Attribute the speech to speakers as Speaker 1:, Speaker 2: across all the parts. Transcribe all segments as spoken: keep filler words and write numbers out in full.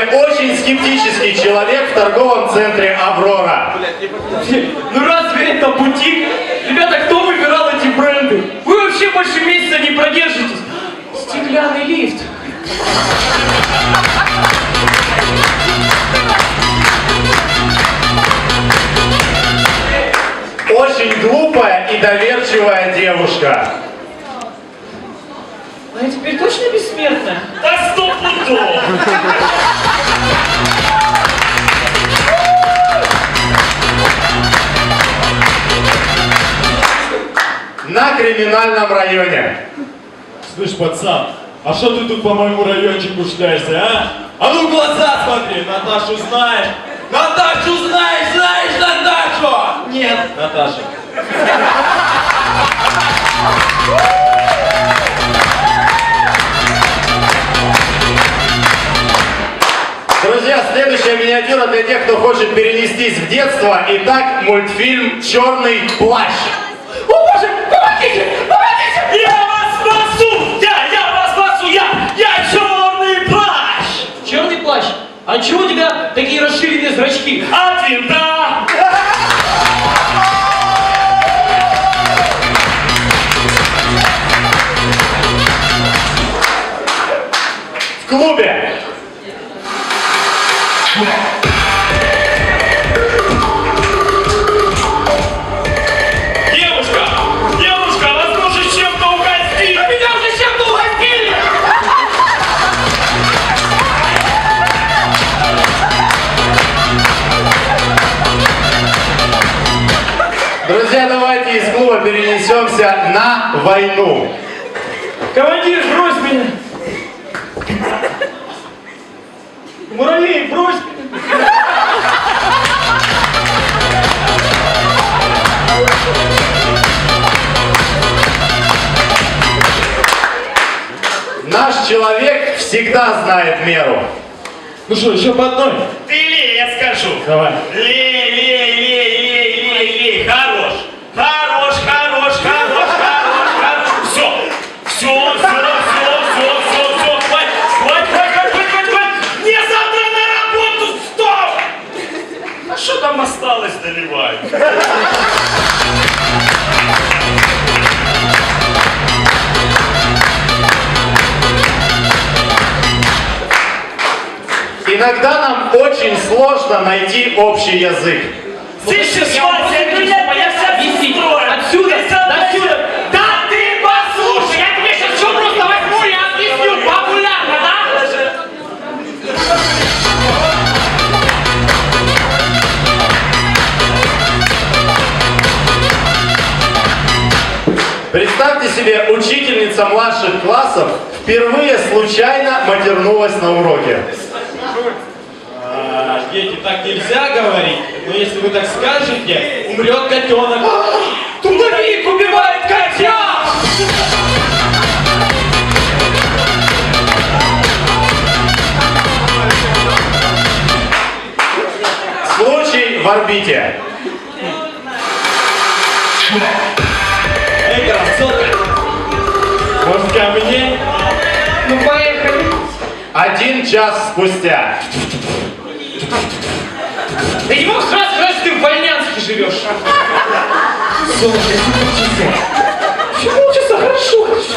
Speaker 1: очень скептический человек в торговом центре «Аврора».
Speaker 2: Ну разве это бутик? Ребята, кто выбирал эти бренды? Вы вообще больше месяца не продержитесь. Стеклянный лифт.
Speaker 1: Очень глупая и доверчивая девушка.
Speaker 2: А я теперь точно бессмертная?
Speaker 3: Да сто пудов!
Speaker 1: На криминальном районе.
Speaker 4: Слышь, пацан, а что ты тут по моему райончику шляешься, а? А ну в глаза смотри, Наташу знаешь? Наташу знаешь, знаешь Наташу?
Speaker 2: Нет.
Speaker 4: Наташа.
Speaker 1: Друзья, следующая миниатюра для тех, кто хочет перенестись в детство. Итак, мультфильм «Черный плащ».
Speaker 2: О боже, помогите, помогите!
Speaker 3: Я вас спасу! Я, я вас спасу! Я, я черный плащ!
Speaker 2: Черный плащ, а чего у тебя такие расширенные зрачки?
Speaker 3: От винта!
Speaker 1: В клубе.
Speaker 3: Девушка! Девушка, вас нужно чем-то угостить!
Speaker 2: А меня уже чем-то угостили!
Speaker 1: Друзья, давайте из клуба перенесемся на войну.
Speaker 2: Командир, брось меня! Муравей, брось меня!
Speaker 1: Наш человек всегда знает меру.
Speaker 4: Ну что, еще по одной?
Speaker 3: Ты лей, я скажу!
Speaker 4: Давай.
Speaker 3: Лей, лей, лей, лей, лей, лей! Хорош! Хорош, хорош, хорош, хорош, хорош! Все! Все, все, все, все, все, все! Хватит, хватит, хватит, хватит, хватит, хватит! Мне завтра на работу! Стоп! А что там осталось доливать?
Speaker 1: Иногда нам очень сложно найти общий язык.
Speaker 3: Слышишь,
Speaker 2: Я вам
Speaker 3: Вася,
Speaker 2: просто
Speaker 3: меня
Speaker 2: хочу понять,
Speaker 3: сейчас
Speaker 2: объяснить.
Speaker 3: устроят.
Speaker 2: Отсюда,
Speaker 3: Ты
Speaker 2: до отсюда.
Speaker 3: Да ты послушай!
Speaker 2: Я тебе сейчас все просто возьму и объясню популярно, да?
Speaker 1: Представьте себе, учительница младших классов впервые случайно матернулась на уроке.
Speaker 4: А, дети, так нельзя говорить, но если вы так скажете, умрет котенок.
Speaker 2: Трудовик убивает котят!
Speaker 1: Случай в орбите.
Speaker 4: Эй, красотка, может ко мне?
Speaker 2: Ну поехали.
Speaker 1: Один час спустя.
Speaker 2: Ты не мог сразу сказать, что ты в Вольнянске живешь? Солнце, полчаса. Еще полчаса, хорошо, хорошо.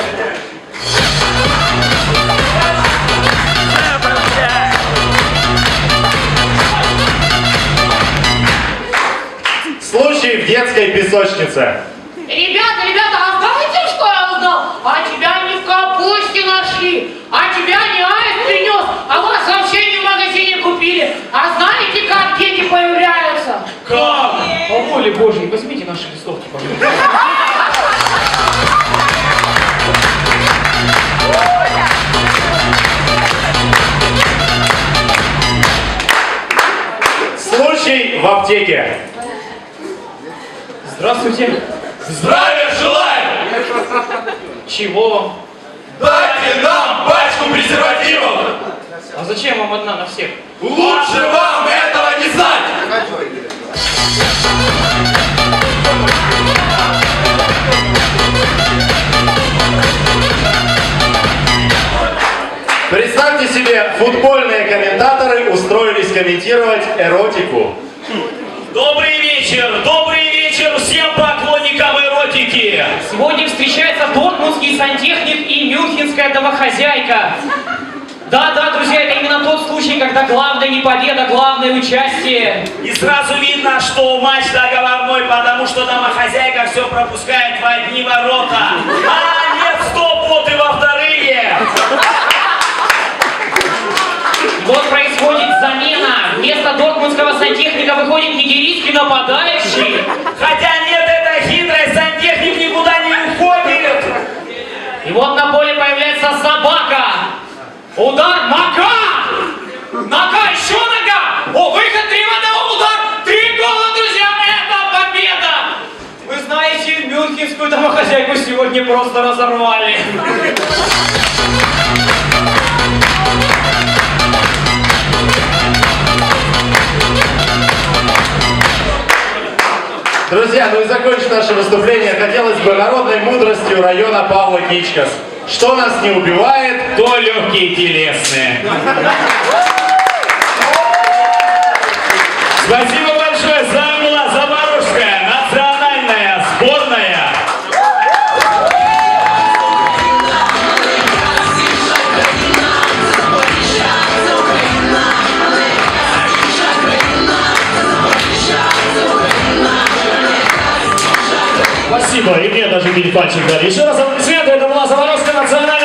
Speaker 1: Случай в детской песочнице.
Speaker 5: Ребята, ребята, а знаете, что я узнал? А тебя не в капусте нашли, а тебя не аист принес, а вас вообще не в магазине купили. А знаете, как дети появляются?
Speaker 2: Как? По воле Божьей, возьмите наши листовки, пожалуйста.
Speaker 1: Случай в аптеке.
Speaker 2: Здравствуйте.
Speaker 4: Здравия желаю!
Speaker 2: Чего вам?
Speaker 4: Дайте нам пачку презервативов!
Speaker 2: А зачем вам одна на всех?
Speaker 4: Лучше вам этого не знать!
Speaker 1: Представьте себе, футбольные комментаторы прокомментировать эротику.
Speaker 3: Добрый вечер, добрый вечер всем поклонникам эротики.
Speaker 2: Сегодня встречается дортмундский сантехник и мюнхенская домохозяйка. Да-да, друзья, это именно тот случай, когда главное не победа, главное участие.
Speaker 3: И сразу видно, что матч договорной, потому что домохозяйка все пропускает в одни ворота. А нет, стоп, вот и во вторые.
Speaker 2: Вот происходит замена. Вместо дортмундского сантехника выходит нигерийский нападающий.
Speaker 3: Хотя нет, это хитрость, сантехник никуда не уходит.
Speaker 2: И вот на поле появляется собака. Удар, нога! Нога, еще нога! О, выход, три в одного, удар! Три гола, друзья, это победа! Вы знаете, мюнхенскую домохозяйку сегодня просто разорвали.
Speaker 1: Друзья, ну и закончить наше выступление хотелось бы народной мудростью района Павла Кичкас. Что нас не убивает,
Speaker 3: То легкие телесные. Спасибо большое, с вами была Запорожская национальная сборная.
Speaker 4: Спасибо, и мне даже бить пальчик дали. Еще раз аплодисменты, это была Запорожская национальная